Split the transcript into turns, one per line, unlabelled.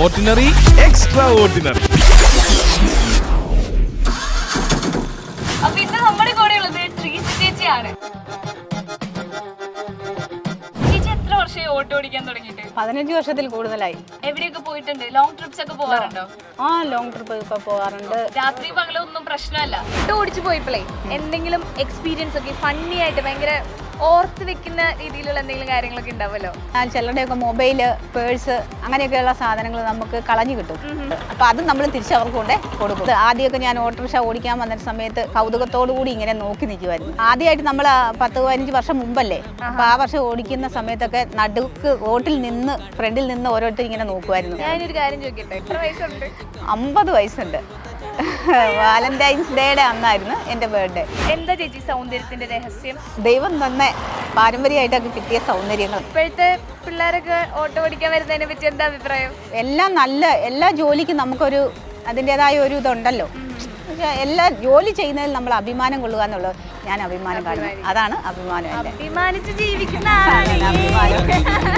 Ordinary extra ordinary.
അപ്പൊ ഇന്ന് നമ്മുടെ കൂടെ ഉള്ളത് ട്രീസ ചേച്ചിയാണ്. ചേച്ചി എത്ര വർഷമായി ഓട്ടോ ഓടിക്കാൻ തുടങ്ങിയിട്ട്?
15 വർഷത്തിൽ കൂടുതലായി.
എവിടെയൊക്കെ പോയിട്ടുണ്ട്? ലോങ് ട്രിപ്സ് ഒക്കെ പോകാറുണ്ടോ?
ആ, ലോങ് ട്രിപ്പ് ഒക്കെ പോകാറുണ്ട്.
രാത്രി പകലൊന്നും പ്രശ്നമല്ല. ഓട്ടോ ഓടിച്ചു പോയപ്പോഴേ എന്തെങ്കിലും എക്സ്പീരിയൻസ് ഒക്കെ ഫണ്ണി ആയിട്ട് ഭയങ്കര ഓർത്ത് വെക്കുന്ന രീതിയിലുള്ള എന്തെങ്കിലും കാര്യങ്ങളൊക്കെ ഉണ്ടാവുമല്ലോ?
ചിലരുടെയൊക്കെ മൊബൈല്, പേഴ്സ്, അങ്ങനെയൊക്കെയുള്ള സാധനങ്ങൾ നമുക്ക് കളഞ്ഞു കിട്ടും. അപ്പോൾ അത് നമ്മൾ തിരിച്ചവർക്ക് കൊണ്ട് കൊടുക്കും. ആദ്യമൊക്കെ ഞാൻ ഓട്ടോറിക്ഷ ഓടിക്കാൻ വന്ന സമയത്ത് കൗതുകത്തോടു കൂടി ഇങ്ങനെ നോക്കി നിൽക്കുമായിരുന്നു. ആദ്യമായിട്ട് നമ്മൾ 10-15 വർഷം മുമ്പല്ലേ, അപ്പോൾ ആ വർഷം ഓടിക്കുന്ന സമയത്തൊക്കെ നടുക്ക് റോട്ടിൽ നിന്ന് ഫ്രണ്ടിൽ നിന്ന് ഓരോരുത്തർ ഇങ്ങനെ നോക്കുമായിരുന്നു.
ഞാനൊരു കാര്യം ചോദിക്കട്ടെ, എത്ര വയസ്സുണ്ട്?
50 വയസ്സുണ്ട്. വാലന്റൈൻസ് ഡേയുടെ അന്നായിരുന്നു എൻ്റെ ബർത്ത്ഡേ.
എന്താ ചേച്ചി സൗന്ദര്യത്തിന്റെ രഹസ്യം?
ദൈവം തന്നെ പാരമ്പര്യമായിട്ടൊക്കെ കിട്ടിയ സൗന്ദര്യങ്ങൾ.
ഇപ്പോഴത്തെ പിള്ളേരൊക്കെ ഓട്ടോ ഓടിക്കാൻ വരുന്നതിനെ പറ്റി എന്താ അഭിപ്രായം?
എല്ലാ ജോലിക്കും നമുക്കൊരു അതിൻ്റെതായ ഒരു ഇതുണ്ടല്ലോ. പക്ഷേ എല്ലാ ജോലി ചെയ്യുന്നതിൽ നമ്മൾ അഭിമാനം കൊള്ളുക എന്നുള്ളത് ഞാൻ അഭിമാനം കാണുന്നു. അതാണ് അഭിമാനം.
അഭിമാനിച്ച് ജീവിക്കുന്ന ആളാണ്.
അഭിമാനം.